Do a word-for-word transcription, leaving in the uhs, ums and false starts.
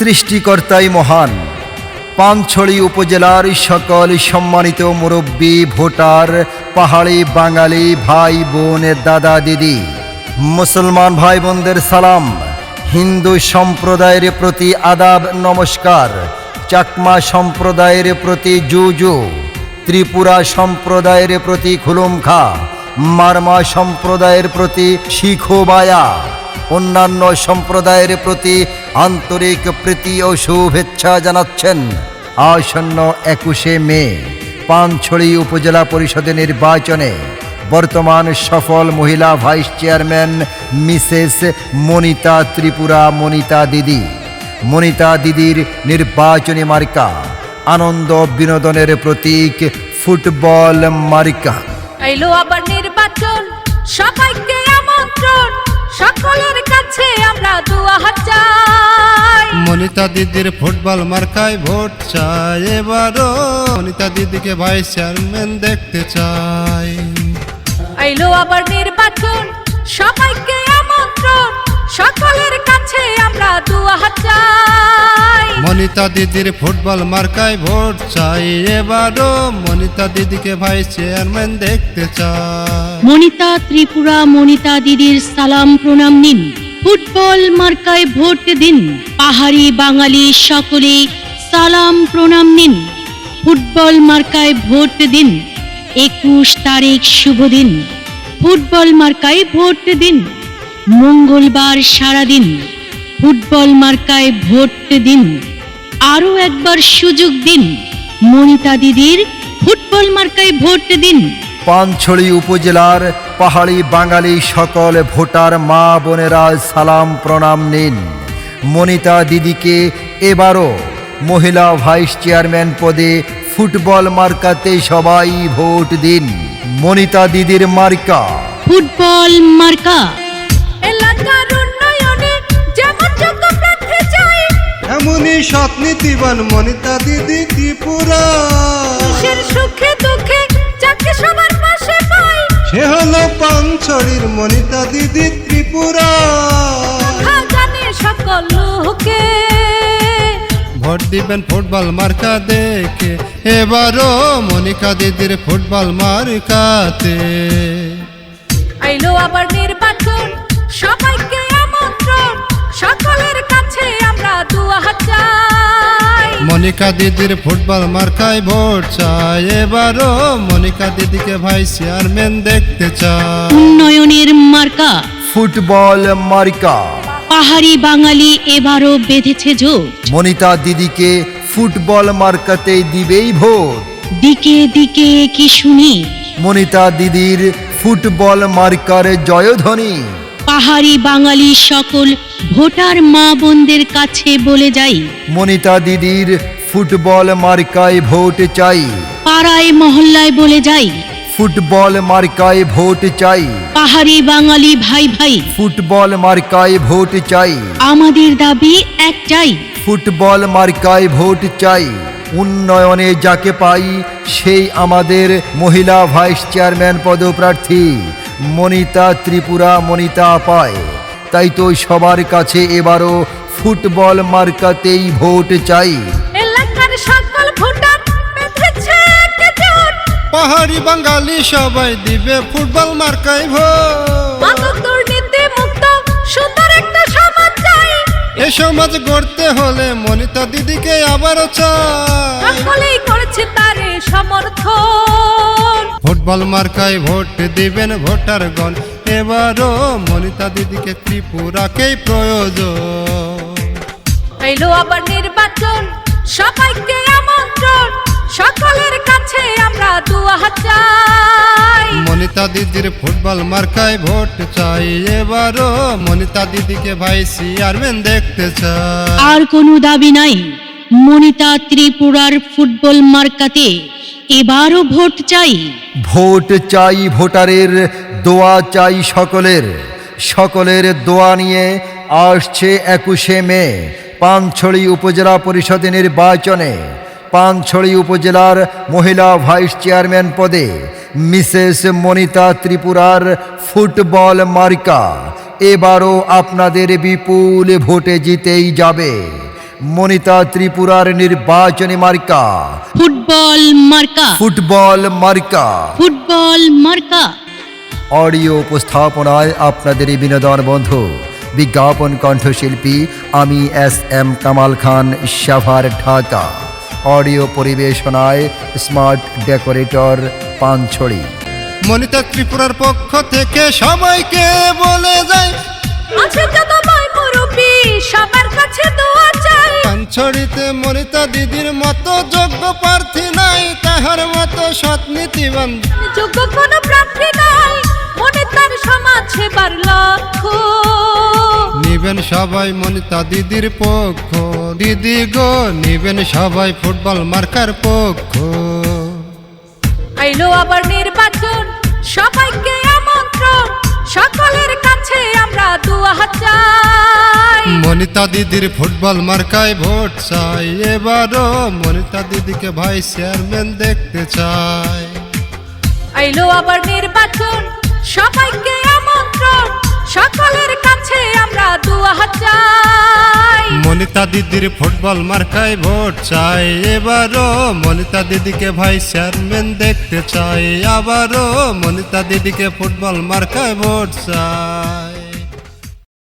সৃষ্টিকর্তাই মহান। পানছড়ি উপজেলার সকল সম্মানিত মুরব্বী, ভোটার, পাহাড়ি বাঙালি ভাই বোন, দাদা দিদি, মুসলমান ভাই বোনদের সালাম। হিন্দু সম্প্রদায়ের প্রতি আদাব নমস্কার। চাকমা সম্প্রদায়ের প্রতি জুজু, ত্রিপুরা সম্প্রদায়ের প্রতি খুলুমখা, মারমা সম্প্রদায়ের প্রতি শিখোবায়া, অন্যান্য সম্প্রদায়ের প্রতি আন্তরিক প্রীতি ও শুভেচ্ছা জানাচ্ছেন আসন্ন একুশে মে পানছড়ি উপজেলা পরিষদের নির্বাচনে বর্তমান সফল মহিলা vice chairman Mrs Monita Tripura Monita দিদি। মনিতা দিদির নির্বাচনী মার্কা আনন্দ বিনোদনের প্রতীক ফুটবল মার্কা। এলো আবার নির্বাচন, সবাইকে আমন্ত্রণ, সকলের কাছে আমরা দোয়া হাত চাই। মনিতা দিদির ফুটবল মার্কায় ভোট চাই এবারও, মনিতা দিদিকে ভাইস চেয়ারম্যান দেখতে চাই। এলো আবার নির্বাচন, সবাইকে আমন্ত্রণ, সকলের কাছে আমরা দোয়া হাত চাই। মনিতা দিদির ফুটবল মার্কায় ভোট চাই এবারও, মনিতা দিদিকে ভাইস চেয়ারম্যান দেখতে চাই। মনিতা ত্রিপুরা মনিতা দিদির সালাম প্রণাম নিন, ফুটবল মার্কায় ভোট দিন। পাহাড়ি বাঙালি সকলে সালাম প্রণাম নিন, ফুটবল মার্কায় ভোট দিন। একুশ তারিখ শুভ দিন, ফুটবল মার্কায় ভোট দিন। মঙ্গলবার সারাদিন ফুটবল মার্কায় ভোট দিন। আরো একবার সুযোগ দিন, মনিতা দিদির ফুটবল মার্কায় ভোট দিন। পানছড়ি উপজেলার পাহাড়ি বাঙালি সকল ভোটার মা বোনেরা সালাম প্রণাম নিন। মনিতা দিদিকে এবারও মহিলা ভাইস চেয়ারম্যান পদে ফুটবল মার্কাতে সবাই ভোট দিন। মনিতা দিদির মার্কা ফুটবল মার্কা। এলাকার উন্নয়নে যেমন যোগ্য প্রার্থী চাই, এমনই সৎ নীতিবান মনিতা দিদি ত্রিপুরা। দেশের সুখে দুঃখে যাকে সবার পাশে পাই, সে হলো পানছড়ির মনিতা দিদি ত্রিপুরা। কথা জানে সকল লোকে। ভোট দিবেন ফুটবল মার্কা দেখে এবারও, মনিকা দিদির ফুটবল মার্কাতে। এলো আবার নির্বাচন, সবাইকে আমন্ত্রণ, সকলের কাছে আমরা দোয়া হাত চাই। মনিকা দিদির ফুটবল মার্কায় ভোট চাই এবারও, মনিকা দিদিকে ভাইস চেয়ারম্যান দেখতে চাই। উন্নয়নের মার্কা ফুটবল মার্কা। পাহাড়ি বাঙালি এবারও বেঁধেছে জোট, মনিতা দিদিকে ফুটবল মার্কাতেই দিবেই ভোট। দিকে দিকে কি শুনি, মনিতা দিদির ফুটবল মার্কার জয়ধ্বনি। পাহাড়ি বাঙালি সকল ভোটার মা বোনদের কাছে বলে যাই, মনিতা দিদির ফুটবল মার্কায় ভোট চাই। পাড়ায় মহল্লায় বলে যাই, ফুটবল মার্কায় ভোট চাই। পাহাড়ি বাঙালি ভাই ভাই ফুটবল মার্কায় ভোট চাই। আমাদের দাবি একটাই, ফুটবল মার্কায় ভোট চাই। উন্নয়নে যাকে পাই সেই আমাদের মহিলা ভাইস চেয়ারম্যান পদপ্রার্থী মনিতা ত্রিপুরা মনিতা পায়। তাই তো সবার কাছে এবারও ফুটবল মার্কাতেই ভোট চাই। এলাকার সকল ভোটার বেঁধেছে একজোট, পাহাড়ি বাঙালি সবাই দিবে ফুটবল মার্কায় ভোট। মাদক দুর্নীতি মুক্ত সুন্দর একটা সমাজ চাই, এ সমাজ গড়তে হলে মনিতা দিদিকে আবারও চাই। সকলেই করেছে তারে সমর্থন। ফুটবল মার্কায় ভোট দিবেন ভোটারগণ এবারও, মনিতা দিদিকে ত্রিপুরাকেই প্রয়োজন। এলো আবার নির্বাচন, সবাইকে আমন্ত্রণ, সকলের কাছে আমরা দোয়া হাত চাই। মনিতা দিদির ফুটবল মার্কায় ভোট চাই এবারও, মনিতা দিদিকে ভাইস চেয়ারম্যান দেখতে চাই। আর কোনো দাবি নাই, মনিতা ত্রিপুরার ফুটবল মার্কাতে এবারও ভোট চাই। ভোট চাই ভোটারের, দোয়া চাই সকলের। সকলের দোয়া নিয়ে আসছে একুশে মে পানছড়ি উপজেলা পরিষদ নির্বাচনে পানছড়ি উপজেলার মহিলা ভাইস চেয়ারম্যান পদে মিসেস মনিতা ত্রিপুরার ফুটবল মার্কা এবারও আপনাদের বিপুল ভোটে জিতেই যাবে। মনিতা ত্রিপুরার নির্বাচনী মার্কা ফুটবল মার্কা ফুটবল মার্কা। ফুটবল মার্কা। অডিও উপস্থাপনায় আপনাদের বিনোদন বন্ধু বিজ্ঞাপন কণ্ঠশিল্পী আমি S M Kamal Khan, Savar, Dhaka. Audio পরিবেশনায় স্মার্ট ডেকোরেটর, পানছড়ি। মনিতা ত্রিপুরার পক্ষ থেকে সবাইকে বলে যায়, আছে যত ভাই মুরব্বি সবার কাছে দোয়া চাই। পানছড়িতে মনিতা দিদির মতো যোগ্য প্রার্থী নাই, তাহার মতো সৎ নীতিবান যোগ্য কোনো প্রার্থী নাই, মনে তার সমাজ সেবার লক্ষ্য। নিবেন সবাই মনিতা দিদির পক্ষ, দিদি গো নিবেন সবাই ফুটবল মার্কার পক্ষ। আইলো আবার নির্বাচন, সবাইকে আমন্ত্রণ, সকলের কাছে আমরা দোয়া চাই। মনিতা দিদির ফুটবল মার্কায় ভোট চাই, এবারও মনিতা দিদিকে ভাইস চেয়ারম্যান দেখতে চাই। আইলো আবার নির্বাচন, সবাইকে আমন্ত্রণ, সকলের কাছে আমরা দোয়া চাই। মনিতা দিদির ফুটবল মার্কায় ভোট চাই, এবারও মনিতা দিদিকে ভাইস চেয়ারম্যান দেখতে চাই। আবারও মনিতা দিদিকে ফুটবল মার্কায় ভোট চাই।